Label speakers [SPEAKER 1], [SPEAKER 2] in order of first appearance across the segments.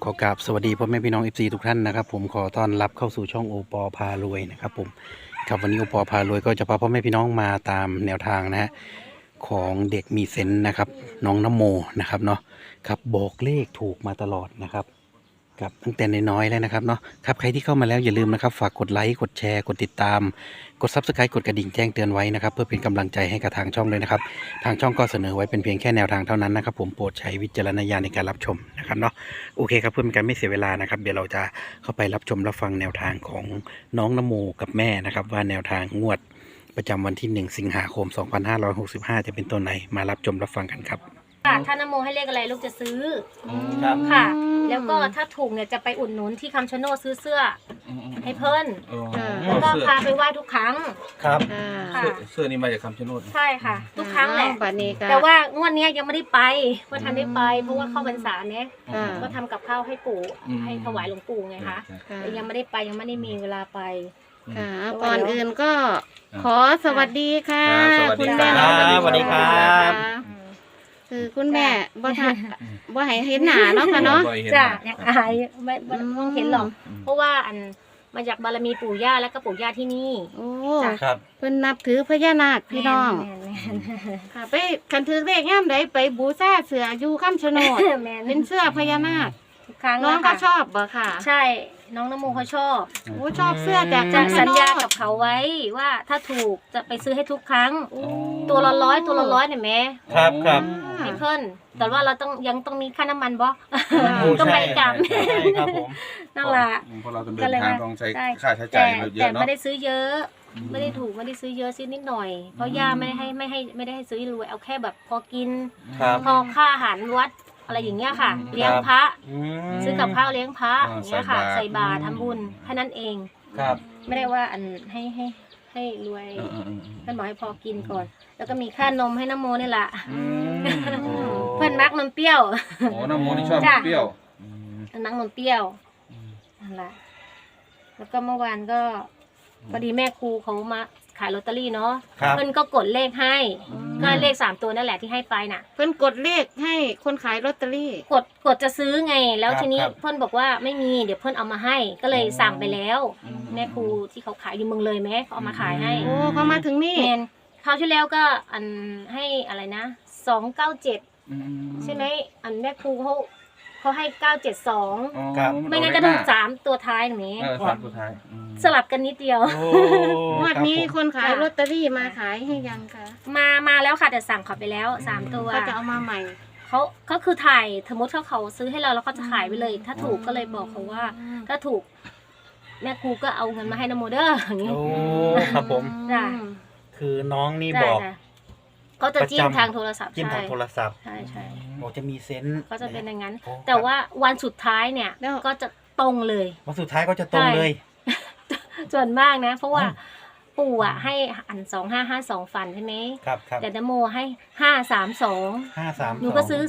[SPEAKER 1] อกราบสวัสดีพ่อแม่พี่น้อง FC ทุกท่านนะครับผมขอต้อนรับเข้าสู่ช่องโอปอพารวยนะครับผมครับวันนี้โอปอพารวยก็จะพาพ่อแม่พี่น้องมาตามแนวทางนะฮะของเด็กมีเซนส์นะครับน้องนโมนะครับเนาะครับบอกเลขถูกมาตลอดนะครับครับตั้งแต่น้อยๆแล้วนะครับเนาะครับใครที่เข้ามาแล้วอย่าลืมนะครับฝากกดไลค์กดแชร์กดติดตามกด Subscribe กดกระดิ่งแจ้งเตือนไว้นะครับเพื่อเป็นกำลังใจให้กับทางช่องเลยนะครับทางช่องก็เสนอไว้เป็นเพียงแค่แนวทางเท่านั้นนะครับผมโปรดใช้วิจารณญาณในการรับชมนะครับเนาะโอเคครับเพื่อเป็นการไม่เสียเวลานะครับเดี๋ยวเราจะเข้าไปรับชมรับฟังแนวทางของน้องนโมกับแม่นะครับว่าแนวทางงวดประจำวันที่1 สิงหาคม 2565 จะเป็นตัวไหนมารับชมรับฟังกันครับ
[SPEAKER 2] ค่ะถ้านโมให้เลขอะไรลูกจะซื้อ
[SPEAKER 1] ครับ
[SPEAKER 2] ค่ะ แล้วก็ถ้าถูกเนี่ยจะไปอุดหนุนที่คำชะโนดซื้อเสื้อให้เพิ่นแล้วก็พาไปไหว้ทุกครั้ง
[SPEAKER 1] ครับ
[SPEAKER 2] ค่ะ
[SPEAKER 3] เสื้อนี้มาจากคำชะโนด
[SPEAKER 2] ใช่ค่ะ ทุกครั้งแหละ
[SPEAKER 4] บัดนี้ก็
[SPEAKER 2] แต่ว่างวดเนี้ยยังไม่ได้ไปว่าทันได้ไป เพราะว่าเข้าพรรษาเนี่ย
[SPEAKER 4] ค่ะ
[SPEAKER 2] ก็ทำกับข้าวให้ปู่ให้ถวายหลวงปู่ไงคะ
[SPEAKER 4] ค่ะ
[SPEAKER 2] แต่ยังไม่ได้ไปยังไม่ได้มีเวลาไป
[SPEAKER 4] ค่ะก่อนอื่นก็ขอสวัสดีค่ะ
[SPEAKER 3] สวัสดี
[SPEAKER 4] คุณ
[SPEAKER 3] ครั
[SPEAKER 4] แม่
[SPEAKER 3] บ
[SPEAKER 4] น้อง
[SPEAKER 1] สวัสดีครับ
[SPEAKER 4] คือคุณแม่บ่ทันบ่ให้เห็นหน้าเนาะค่ะเนาะ
[SPEAKER 2] จ้ะยังอายไม่ต้องเห็นหรอก เพราะว่าอันมาจากบารมีปู่ย่าแล้วก็ปู่ย่าที่นี่
[SPEAKER 4] โอ้
[SPEAKER 2] จ้ะ
[SPEAKER 1] ครับ
[SPEAKER 4] เพิ่นนับถือพญานาคพี่น้อง
[SPEAKER 2] แม่น
[SPEAKER 4] ค่ะไปคันถือเลขย่ำใดไปบูชาเสืออยู่คำชะโนด
[SPEAKER 2] แม่น
[SPEAKER 4] เป็นเสื้อพญานาค
[SPEAKER 2] ทุกครั้ง
[SPEAKER 4] น้อง
[SPEAKER 2] ะ
[SPEAKER 4] ก็
[SPEAKER 2] ค่ะ
[SPEAKER 4] ชอบบ่ค่ะ
[SPEAKER 2] ใช่ น้องนโมเขาชอบ
[SPEAKER 4] โอ้ชอบเสื้อจาก
[SPEAKER 2] จะ
[SPEAKER 4] คำชะ
[SPEAKER 2] สัญ
[SPEAKER 4] โน
[SPEAKER 2] ญา
[SPEAKER 4] ด
[SPEAKER 2] กับเขาไว้ว่าถ้าถูกจะไปซื้อให้ทุกครั้ง
[SPEAKER 4] โอ้
[SPEAKER 2] ตัวละ100ตัวละ100เนี่ยแม่
[SPEAKER 1] ครับครับ
[SPEAKER 2] ให้เพิ่นแต่ว่าเรายังต้องมีค่าน้ำมันบ่
[SPEAKER 1] โอ้
[SPEAKER 2] ต้องไป
[SPEAKER 1] ใช่
[SPEAKER 2] กลับ
[SPEAKER 1] ใช่ครับผม
[SPEAKER 2] นั่นแหละ
[SPEAKER 3] เพราะเราต้องเดินทางต้องใช้ค่าใช้
[SPEAKER 2] แต่
[SPEAKER 3] จ่ายเย
[SPEAKER 2] แต่
[SPEAKER 3] อะเนาะ
[SPEAKER 2] ไม่ได้ซื้อเยอะ ไม่ได้ถูกไม่ได้ซื้อเยอะซื้อนิดหน่อย เพราะย่าไม่ได้ให้ซื้อรวยเอาแค่แบบพอกิน
[SPEAKER 1] ครับ
[SPEAKER 2] พอค่าอาหารวัดอะไรอย่างเงี้ยค่ะ เลี้ยงพระ ซื้อกับข้าวเลี้ยงพระอย่างเงี้ยค่ะ ใส่บาตรทำบุญแค่นั้นเอง
[SPEAKER 1] ครับ
[SPEAKER 2] ไม่ได้ว่าอันให้รวยท่านบอกให้พอกินก่อน แล้วก็มีค่านมให้น้ำโมนี่แหละเพื่อนมักนมเปรี้ยว
[SPEAKER 3] โอ้น้ำโมนี่ชอบ
[SPEAKER 2] จ้ะ
[SPEAKER 3] เปรี้ยว
[SPEAKER 2] เพื่อนมักนมเปรี้ยวนั่นแหละแล้วก็เมื่อวานก็พอดีแม่ครูเขามาขายลอตเตอรี่เนาะ
[SPEAKER 1] ครับ
[SPEAKER 2] เพื่อนก็กดเลขให้ก็เลข3ตัวนั่นแหละที่ให้ไปน่ะ
[SPEAKER 4] เพิ่นกดเลขให้คนขายลอตเตอรี่
[SPEAKER 2] กดจะซื้อไง แล้ว
[SPEAKER 1] ครับ
[SPEAKER 2] ทีนี้
[SPEAKER 1] ครับ
[SPEAKER 2] เพื่อนบอกว่าไม่มีเดี๋ยวเพื่อนเอามาให้ ก็เลยสั่งไปแล้ว แม่ครูที่เขาขายอยู่เมืองเลยไหมเขาเอามาขายให้
[SPEAKER 4] โอ้เขามาถึงนี่
[SPEAKER 2] แมนคราวที่แล้วก็อันให้อะไรนะ297ใช่ไหมอันแม่ครูเขาให้972
[SPEAKER 1] ครับ
[SPEAKER 2] ไม่งั้นก็ถูก3ตัวท้ายหนูนี้
[SPEAKER 3] สามตัวท้าย
[SPEAKER 2] สลับกันนิดเดียว
[SPEAKER 1] โอ้
[SPEAKER 4] งวดนี้
[SPEAKER 1] รับผม
[SPEAKER 4] คนขายลอตเตอรี่มาขายให้ยังคะ
[SPEAKER 2] มาแล้วค่ะแต่สั่งเขาไปแล้ว3ตัว
[SPEAKER 4] ก็จะเอามาใหม่
[SPEAKER 2] เขาคือถ่ายสมมติเขาซื้อให้เราแล้วเขาจะขายไปเลย ถ้าถูกก็เลยบอกเขาว่า ถ้าถูก แม่ครูก็เอาเงินมาให้นโมเดอร์อย่างนี้
[SPEAKER 1] โอ้ครับผม
[SPEAKER 2] จ้ะ
[SPEAKER 1] คือน้องนี่
[SPEAKER 2] ได้
[SPEAKER 1] บอก
[SPEAKER 2] จ้ะเขาจะจิ้มทางโทรศัพท์
[SPEAKER 1] จิ้มทางโทรศัพท์
[SPEAKER 2] ใช่ใช่
[SPEAKER 1] บอกจะมีเซนส์
[SPEAKER 2] เขาจะเป็นอย่างนั้น
[SPEAKER 1] โอ้
[SPEAKER 2] แต่ว่าวันสุดท้ายเนี่ย
[SPEAKER 4] แล้ว
[SPEAKER 2] ก็จะตรงเลย
[SPEAKER 1] วันสุดท้ายก็จะตรงเลย
[SPEAKER 2] ส่วนมากนะ เพราะว่า
[SPEAKER 1] อ๋อ
[SPEAKER 2] ปู่อ่ะให้อัน2552ฟันใช่ไหม
[SPEAKER 1] ครับครับ
[SPEAKER 2] แต่นโมให้532
[SPEAKER 1] 532
[SPEAKER 2] หนูก็ซื้อ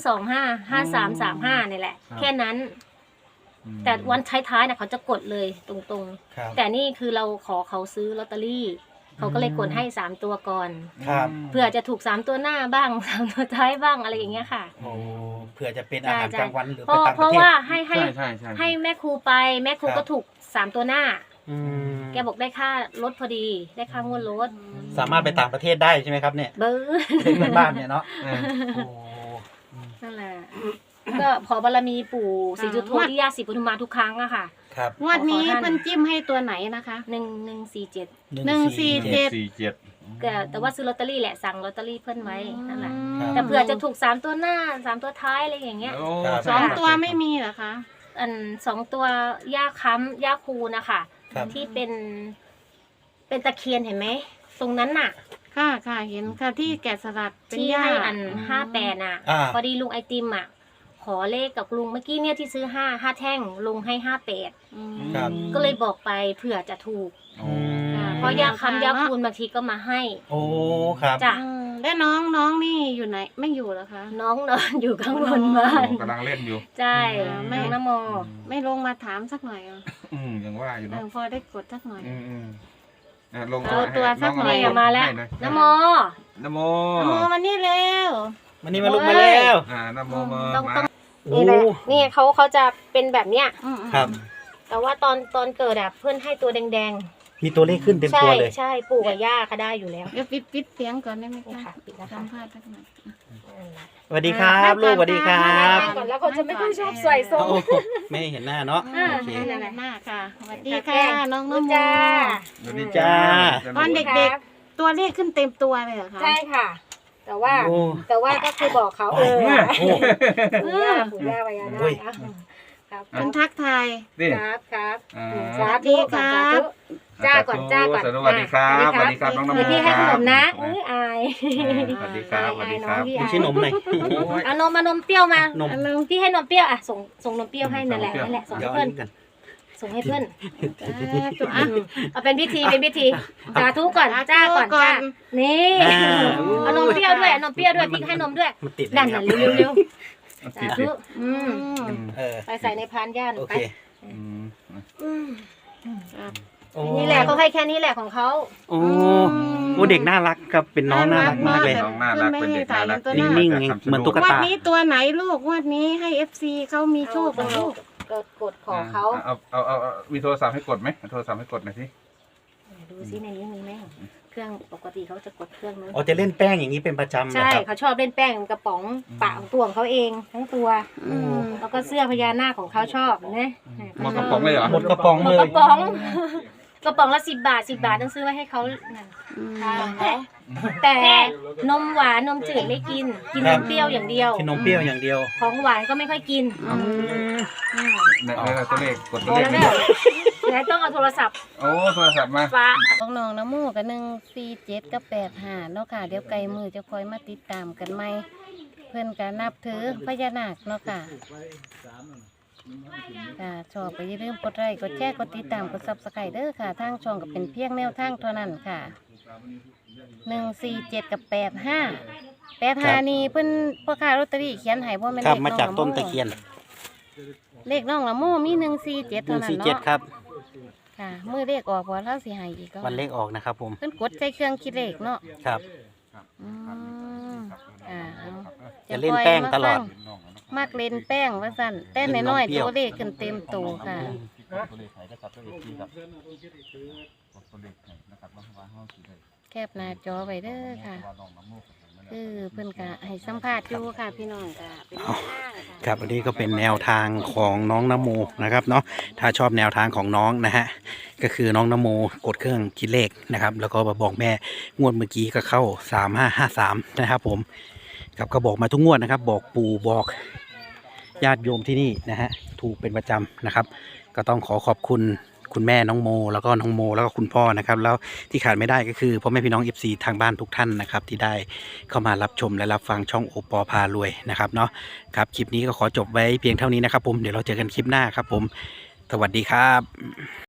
[SPEAKER 2] 255335นี่แหละ แค่นั้น แต่วันท้ายๆน่ะเขาจะกดเลยตรง
[SPEAKER 1] ครับ
[SPEAKER 2] ๆ แต่นี่คือเราขอเขาซื้อลอตเตอรี่ เขาก็เลยกดให้3ตัวก่อน
[SPEAKER 1] ครับ
[SPEAKER 2] เพื่อจะถูก3ตัวหน้าบ้าง 3ตัวท้ายบ้างอะไรอย่างเงี้ยค่ะ
[SPEAKER 1] โอ้เผื่อจะเป็นอาหารกลางวันหรือ
[SPEAKER 2] เพ
[SPEAKER 1] ไป
[SPEAKER 2] ราะ
[SPEAKER 1] ต่าง
[SPEAKER 2] เพ
[SPEAKER 1] ประ
[SPEAKER 2] ราะ
[SPEAKER 1] เทศ
[SPEAKER 2] ว่าให้
[SPEAKER 3] ใช่ใช่ใช่
[SPEAKER 2] ให้แม่ครูไปแม่ครู
[SPEAKER 1] ครับ
[SPEAKER 2] ก็ถูก3ตัวหน้า
[SPEAKER 1] อืม
[SPEAKER 2] แกบอกได้ค่ารถพอดีได้ค่างวดรถ
[SPEAKER 1] สามารถไปต่างประเทศได้ใช่ไหมครับเนี่ย
[SPEAKER 2] เบอร์
[SPEAKER 1] เพื่อนบ้านเนี่ยเนาะโอ้
[SPEAKER 2] นั่นแหละก็ขอบารมีปู่ศรีจุโธที่ย่าศรีปทุมมาทุกครั้งอะค่ะ
[SPEAKER 1] ครับ
[SPEAKER 4] งวดนี้เพิ่นจิ้มให้ตัวไหนนะคะ
[SPEAKER 2] 1147
[SPEAKER 4] 147
[SPEAKER 2] แต่ว่าซื้อลอตเตอรี่แหละสั่งลอตเตอรี่เพิ่นไว้นั่นแหละ
[SPEAKER 1] ครับ
[SPEAKER 2] แต่เผื่อจะถูก3ตัวหน้า3ตัวท้ายอะไรอย่างเงี้ย
[SPEAKER 4] สองตัวไม่มีเหรอคะ
[SPEAKER 2] อัน2ตัวย่าค้ำย่าคูนะคะ
[SPEAKER 1] ครับ
[SPEAKER 2] ที่เป็นตะเคียนเห็นไหมตรงนั้นน่ะ
[SPEAKER 4] ค่ะค่ะเห็นค่ะที่แกะสลักเป็น
[SPEAKER 2] ที่
[SPEAKER 4] หญ้า
[SPEAKER 2] ให้อัน58น่ะ
[SPEAKER 1] อ่า
[SPEAKER 2] พอดีลุงไอติมอ่ะขอเลขกับลุงเมื่อกี้เนี่ยที่ซื้อ5แท่งลุงให้58
[SPEAKER 4] อืม
[SPEAKER 1] ครับ
[SPEAKER 2] ก็เลยบอกไปเผื่อจะถูก เพราะยาคำยาคูณบางทีก็มาให้
[SPEAKER 1] โอ้ครับ
[SPEAKER 2] จ้ะ
[SPEAKER 4] แล้วน้องนี่อยู่ไหนไม่อยู่เหรอคะ
[SPEAKER 2] น้องนอนอยู่ข้างบนบ้าน
[SPEAKER 3] กำลังเล่นอยู่
[SPEAKER 2] ใช่แม่นโม
[SPEAKER 4] ไม่ลงมาถามสักหน่อยเหรอ
[SPEAKER 3] ยังว่าอยู่เนาะ
[SPEAKER 4] พอได้กดสักหน่อย
[SPEAKER 3] ลง
[SPEAKER 4] เอาตัวสักหน่อย
[SPEAKER 2] นี่มาแล้วนโม
[SPEAKER 3] นโม
[SPEAKER 4] โมมานี่เร็ว
[SPEAKER 1] วันนี้มาลุกมาแล้ว
[SPEAKER 3] นโมมา
[SPEAKER 2] ต้องนี่แหละนี่เขาจะเป็นแบบเนี้ย
[SPEAKER 1] ครับ
[SPEAKER 2] แต่ว่าตอนเกิดอะเพื่อนให้ตัวแดง
[SPEAKER 1] มีตัวเลขขึ้นเต็ม
[SPEAKER 2] ๆใช่
[SPEAKER 1] ตัวเลย
[SPEAKER 2] ใช่ปู่กับย่าก็ได้อยู่แล้ว
[SPEAKER 4] เดี๋ยวปิดเสียงก่อนได้ไหม
[SPEAKER 2] นี่
[SPEAKER 4] คะ
[SPEAKER 2] ค่ะปิดนะคะ
[SPEAKER 4] สัมภาษณ์สักหน่อย
[SPEAKER 1] สวัสดีครับลูกสวัสดีครับ
[SPEAKER 2] ก่อนแล้วเขาจะไม่ค่อยชอบใส่ทรง
[SPEAKER 1] โอ้ไม่เห็นหน้าเนาะ
[SPEAKER 2] อ่า
[SPEAKER 1] โอเค
[SPEAKER 4] นั่นแหละหน้าค่ะสวัสดี
[SPEAKER 2] แป้
[SPEAKER 4] ค่ะ
[SPEAKER 2] ง
[SPEAKER 4] น้องน้ำโม
[SPEAKER 2] จ้า
[SPEAKER 3] สวัสดี
[SPEAKER 1] จ้า
[SPEAKER 4] ตอนเด็กๆ ตัวเลขขึ้นเต็มตัวเลยเหรอคะ
[SPEAKER 2] ใช่ค่ะ แต่ว่า
[SPEAKER 1] โอ้
[SPEAKER 2] ก็คือบอกเขา
[SPEAKER 1] โอ้
[SPEAKER 2] ปู่ย่าพญานา
[SPEAKER 1] โอ้ย
[SPEAKER 2] คครับ
[SPEAKER 4] เป็นทักทาย
[SPEAKER 3] นี่
[SPEAKER 2] ครับครับ
[SPEAKER 3] อ่า
[SPEAKER 2] สาธุก่อนสาธุจ้าก่อนจ้าก่อน
[SPEAKER 3] สวัสดีครับสวัสดีครับน้องน้ำ
[SPEAKER 2] เดี๋ยว
[SPEAKER 3] โม
[SPEAKER 2] พี่ให้
[SPEAKER 3] ค
[SPEAKER 2] ข
[SPEAKER 3] รั
[SPEAKER 2] น
[SPEAKER 3] บ
[SPEAKER 2] มนะอาย
[SPEAKER 3] สวัสดีครับสวัสดีครับ
[SPEAKER 1] ดูชื่อนมหน่อย
[SPEAKER 2] เอานมเปรี้ยวมาน
[SPEAKER 1] ม
[SPEAKER 2] พี่ให้นมเปรี้ยวอ่ะส่งนมเปรี้ยวให้นั่นแหละส่ง
[SPEAKER 1] เดี๋
[SPEAKER 2] ให้
[SPEAKER 1] ยว
[SPEAKER 2] เพื่อน
[SPEAKER 1] กัน
[SPEAKER 2] ส่งให้เพื่อน
[SPEAKER 4] ตัวอ่ะ
[SPEAKER 2] เอาเป็นพิธีสาธุก่อนจ้าก่อนจ้านี่
[SPEAKER 1] อ่า
[SPEAKER 2] เอานมเปรี้ยวด้วยเอานมเปรี้ยวด้วยพี่ให้นมด้วย
[SPEAKER 1] มันติด
[SPEAKER 2] นั่นน่ะเร็วๆสาธุ
[SPEAKER 1] เออ
[SPEAKER 2] ไปใส่ในพานย่าน
[SPEAKER 1] โอ
[SPEAKER 2] ไป
[SPEAKER 1] เค โอ้
[SPEAKER 2] นี่แหละเขาให้แค่นี้แหละของเขา
[SPEAKER 1] โอ้โอ้เด็กน่ารักครับเป็นน้องน่ารักมากเลย
[SPEAKER 3] น้องน่ารักเป็นเด็กน่ารัก
[SPEAKER 1] นิ่งๆเหมือนตุ๊ก
[SPEAKER 4] วั
[SPEAKER 1] ตา
[SPEAKER 4] นนี้ตัวไหนลูกวันนี้ให้ FC เขามีโชคกับลูก
[SPEAKER 2] กดขอเขา
[SPEAKER 3] เอามีโทรศัพท์ให้กดไหมโทรศัพท์ให้กดหน่อยสิ
[SPEAKER 2] ดูซิในนี้มีไหมเครื่องปกติเขาจะกดเครื่องนู้น
[SPEAKER 1] อ๋อจะเล่นแป้งอย่างนี้เป็นประจำเหรอ
[SPEAKER 2] ใช่
[SPEAKER 1] ครับ
[SPEAKER 2] เขาชอบเล่นแป้งกระป๋องปะของตัวของเขาเองทั้งตัว แล้วก็เสื้อพญานาคของเขาชอบนะ
[SPEAKER 3] หมดกระป๋องเลยเหรอ
[SPEAKER 1] หมดกระป๋อง
[SPEAKER 2] หม
[SPEAKER 1] เล
[SPEAKER 2] ดก
[SPEAKER 1] ย
[SPEAKER 2] ระป๋องกระป๋องละ10 บาทต้องซื้อไว้ให้เขานั่นแต่นมหวานนมจืดไม่กินนมเปรี้ยวอย่างเดียว
[SPEAKER 1] กินนมเปรี้ยวอย่างเดียว
[SPEAKER 2] ของหวานก็ไม่ค่อยกิน
[SPEAKER 3] เนี่ยตัวเลขกด
[SPEAKER 2] พ
[SPEAKER 3] ตัว
[SPEAKER 2] อ
[SPEAKER 3] เลข
[SPEAKER 2] แล้วเนี่ยแล้วต้องเอาโทรศัพท์
[SPEAKER 3] โอ้โทรศัพท์มา
[SPEAKER 2] ฟ้า
[SPEAKER 4] ของน้องน้ำมูกกับ147กับ85เนาะค่ะเดี๋ยวไกลมือจะคอยมาติดตามกันไหมเพื่อนก็นับถือพญานาคเนาะค่ะค่ะชอบก็อย่าลืมกดไลค์กดแชร์กดติดตามกดซับสไครต์เด้อค่ะทางช่องก็เป็นเพียงแนวทางเท่านั้นค่ะ147กับ85นี่เพิ่นพ่อค้าลอตเตอรี่เขียนให้บ่แม่น
[SPEAKER 1] ครับ
[SPEAKER 4] เลข
[SPEAKER 1] มา
[SPEAKER 4] น้อง
[SPEAKER 1] จาก
[SPEAKER 4] ละ
[SPEAKER 1] ต้น
[SPEAKER 4] โม
[SPEAKER 1] ตะเคียน
[SPEAKER 4] เลขน้องละโมมี147เท่านั้น
[SPEAKER 1] 147
[SPEAKER 4] เนาะ
[SPEAKER 1] ครับ
[SPEAKER 4] ค่ะมือเลขออกบ่เราสิให้อีกก็
[SPEAKER 1] วันเลขออกนะครับผม
[SPEAKER 4] เพิ่นกดใส่เครื่องคิดเลขเนาะ
[SPEAKER 1] ครับ
[SPEAKER 4] อืมเอา
[SPEAKER 1] จะเล่นแป้งตลอด
[SPEAKER 4] มักเล่นแป้งว่าสั่นแต่น้อยๆตัวเลขขึ้นเต็มโตค่ะ
[SPEAKER 3] ตัวเลขไหนนะครับตัวเลขที่ครับตัวเลขไหนนะครับว่าห้องสีเลย
[SPEAKER 4] แคบหน้าจอไว้เด้อค่ะ คือเพิ่นก็ให้สัมภาษณ์อยู่ค่ะพี่น้องค่ะเป็นแนวทางค่ะ
[SPEAKER 1] ครับอันนี้ก็เป็นแนวทางของน้องนโมนะครับเนาะถ้าชอบแนวทางของน้องนะฮะก็คือน้องนโมกดเครื่องคิดเลขนะครับแล้วก็มาบอกแม่งวดเมื่อกี้ก็เข้า3553นะครับผมครับก็บอกมาทุกงวดนะครับบอกปู่บอกญาติโยมที่นี่นะฮะถูกเป็นประจำนะครับก็ต้องขอบคุณคุณแม่น้องโมแล้วก็น้องโมแล้วก็คุณพ่อนะครับแล้วที่ขาดไม่ได้ก็คือพ่อแม่พี่น้อง FC ทางบ้านทุกท่านนะครับที่ได้เข้ามารับชมและรับฟังช่องโอปอพารวยนะครับเนาะครับคลิปนี้ก็ขอจบไว้เพียงเท่านี้นะครับผมเดี๋ยวเราเจอกันคลิปหน้าครับผมสวัสดีครับ